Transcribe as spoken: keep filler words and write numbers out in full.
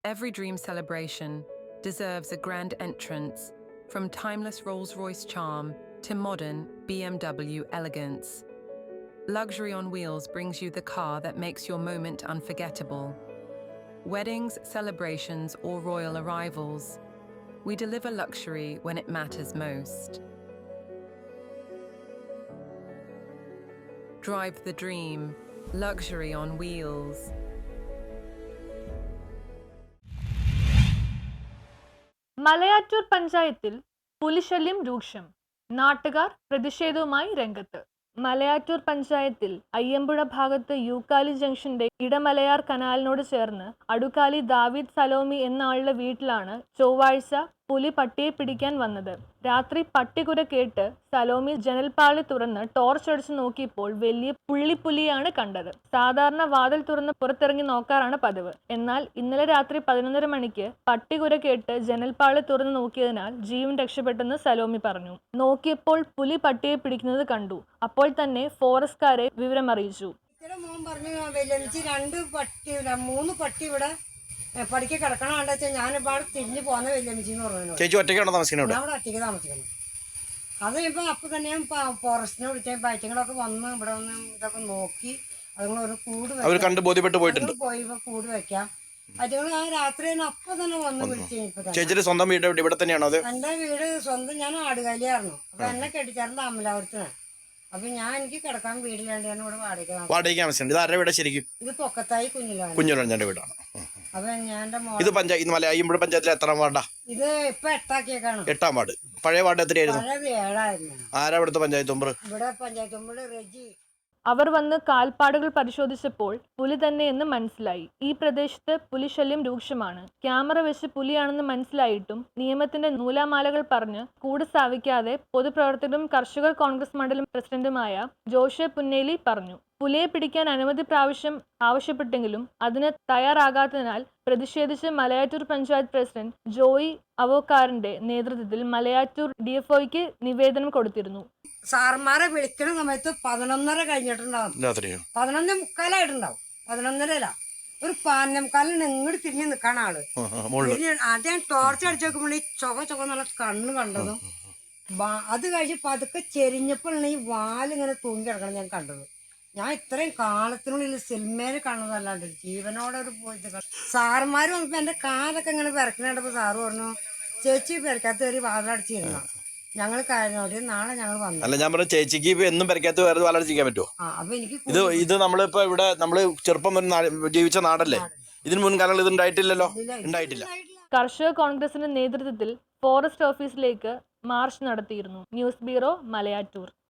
Every dream celebration deserves a grand entrance, from timeless Rolls-Royce charm to modern B M W elegance. Luxury on Wheels brings you the car that makes your moment unforgettable. Weddings, celebrations, or royal arrivals, we deliver luxury when it matters most. Drive the dream, luxury on wheels. Malayattoor പഞ്ചായത്തിൽ പുലിശല്യം രൂക്ഷം. നാട്ടുകാർ പ്രതിഷേധവുമായി രംഗത്ത്. മലയാറ്റൂർ പഞ്ചായത്തിൽ അയ്യമ്പുഴ ഭാഗത്ത് യൂക്കാലി ജംഗ്ഷന്റെ ഇടമലയാർ കനാലിനോട് ചേർന്ന് അടുക്കാലി ദാവീദ് സലോമി എന്ന ആളുടെ വീട്ടിലാണ് ചൊവ്വാഴ്ച പുലി പട്ടിയെ പിടിക്കാൻ വന്നത്. രാത്രി പട്ടികുര കേട്ട് സലോമി ജനൽപ്പാളി തുറന്ന് ടോർച്ച് അടിച്ചു നോക്കിയപ്പോൾ വലിയ പുള്ളിപ്പുലിയാണ് കണ്ടത്. സാധാരണ വാതിൽ തുറന്ന് പുറത്തിറങ്ങി നോക്കാറാണ് പതിവ്. എന്നാൽ ഇന്നലെ രാത്രി പതിനൊന്നര മണിക്ക് പട്ടികുര കേട്ട് ജനൽപ്പാളി തുറന്ന് നോക്കിയതിനാൽ ജീവൻ രക്ഷപ്പെട്ടെന്ന് സലോമി പറഞ്ഞു. നോക്കിയപ്പോൾ പുലി പട്ടിയെ പിടിക്കുന്നത് കണ്ടു. അപ്പോൾ തന്നെ ഫോറസ്റ്റുകാരെ വിവരമറിയിച്ചു. മോൻ പറഞ്ഞു രണ്ട് പട്ടി മൂന്ന് പട്ടി ഇവിടെ പഠിക്ക കിടക്കണം കണ്ട വെച്ചാൽ ഞാനിപ്പോൾ തിരിഞ്ഞു പോകുന്ന വെല്ലമിച്ചി എന്ന് പറഞ്ഞു. ചേച്ചി ഒറ്റയ്ക്കാണോ താമസിക്കുന്നത്? ഞാൻ ഇവിടെ ഒറ്റയ്ക്ക് താമസിക്കുന്നു. അത് ഇപ്പം അപ്പം തന്നെ ഞാൻ ഫോറസ്റ്റിനെ വിളിച്ച പയറ്റങ്ങളൊക്കെ വന്ന് ഇവിടെ വന്ന് ഇതൊക്കെ നോക്കി അതുങ്ങൾ ഒരു കൂട് കണ്ട് ബോധ്യപ്പെട്ട് പോയിട്ടുണ്ട്. പോയി കൂട് വെക്കാം പറ്റുകൾ ആ രാത്രി തന്നെ അപ്പം തന്നെ വന്ന് വിളിച്ചു. ചേച്ചിയുടെ സ്വന്തം വീട് ഇവിടെ തന്നെയാണോ? അത് എൻ്റെ വീട് സ്വന്തം ഞാൻ ആടുകാലിയായിരുന്നു. അപ്പൊ എന്നെ കെട്ടിച്ചാറിന്റെ അമലാപുരത്തിനാണ്. അപ്പൊ ഞാൻ എനിക്ക് കിടക്കാൻ വീടില്ലാണ്ട് ഞാൻ ഇവിടെ വാടക വാടകയ്ക്ക് താമസിക്കുന്നത്. ഇത് ആരുടെ വീട് ശരിക്കും? ഇത് പൊക്കത്തായി കുഞ്ഞിലാണ് കുഞ്ഞുരഞ്ജന്റെ വീടാണ്. അപ്പൊ ഞാൻ ഇത് പഞ്ചായത്ത് മല അയ്യമ്പുഴ പഞ്ചായത്തിലെ എത്രാം വാർഡാ? ഇത് ഇപ്പൊ എട്ടാക്കിയേക്കാണ്. എട്ടാം വാർഡ്. പഴയ വാർഡ് എത്രയായിരുന്നു? പഴയത് ഏഴായിരുന്നു. ആരാ ഇവിടുത്തെ പഞ്ചായത്ത് മെമ്പർ? ഇവിടെ പഞ്ചായത്ത് മെമ്പർ റെജി. അവർ വന്ന് കാൽപ്പാടുകൾ പരിശോധിച്ചപ്പോൾ പുലി തന്നെയെന്ന് മനസ്സിലായി. ഈ പ്രദേശത്ത് പുലിശല്യം രൂക്ഷമാണ്. ക്യാമറ വെച്ച് പുലിയാണെന്ന് മനസ്സിലായിട്ടും നിയമത്തിന്റെ നൂലാമാലകൾ പറഞ്ഞ് കൂട് സ്ഥാപിക്കാതെ പൊതുപ്രവർത്തകരും കർഷകർ കോൺഗ്രസ് മണ്ഡലം പ്രസിഡന്റുമായ ജോഷെ പുന്നേലി പറഞ്ഞു. പുലിയെ പിടിക്കാൻ അനുമതി പ്രാവശ്യം ആവശ്യപ്പെട്ടെങ്കിലും അതിന് തയ്യാറാകാത്തതിനാൽ പ്രതിഷേധിച്ച് മലയാറ്റൂർ പഞ്ചായത്ത് പ്രസിഡന്റ് ജോയി അവോക്കാറിന്റെ നേതൃത്വത്തിൽ മലയാറ്റൂർ ഡി എഫ് ഒക്ക് നിവേദനം കൊടുത്തിരുന്നു. സാർമാരെ വിളിക്കുന്ന സമയത്ത് പതിനൊന്നര കഴിഞ്ഞിട്ടുണ്ടാവും. പതിനൊന്നേ മുക്കാലായിട്ടുണ്ടാവും. പതിനൊന്നരല്ല ഒരു പതിനൊന്നേ മുക്കാലിന് ഇങ്ങോട്ട് തിരിഞ്ഞ് നിൽക്കാണ് ആള്. ആദ്യം ടോർച്ച് അടിച്ചു നോക്കുമ്പോൾ ഈ ചൊക ചൊക നല്ല കണ്ണ് കണ്ടതും അത് കഴിഞ്ഞ് പതുക്കെ ചെരിഞ്ഞപ്പോഴാണ് ഈ വാലിങ്ങനെ തൂങ്ങി കിടക്കണം ഞാൻ കണ്ടത്. ഞാൻ ഇത്രയും കാലത്തിനുള്ളിൽ സിനിമയിൽ കാണുന്നതല്ലാണ്ട് ജീവനോടെ ഒരു പോയിട്ട് സാറുമാർ വന്നപ്പോ എന്റെ കാലൊക്കെ ഇങ്ങനെ വിറക്കുന്നുണ്ടപ്പോ സാറ് പറഞ്ഞു ചേച്ചി പെരക്കാത്ത കയറി വാതിലടിച്ചിരുന്ന ഞങ്ങൾ കാര്യോട് നാളെ ഞങ്ങൾ വന്നു. അല്ല ഞാൻ പറഞ്ഞു ചേച്ചിക്ക് എന്നും പെരക്കാത്ത വേറെ വാലടിച്ചിരിക്കാൻ പറ്റുമോ? അപ്പൊ എനിക്ക് ഇത് ഇത് നമ്മളിപ്പോ ഇവിടെ നമ്മള് ചെറുപ്പം ജീവിച്ച നാടല്ലേ? ഇതിന് മുൻകാലങ്ങളിൽ ഇത് ഉണ്ടായിട്ടില്ലല്ലോ. ഉണ്ടായിട്ടില്ല. കർഷക കോൺഗ്രസിന്റെ നേതൃത്വത്തിൽ ഫോറസ്റ്റ് ഓഫീസിലേക്ക് മാർച്ച് നടത്തിയിരുന്നു. News bureau, Malayattoor.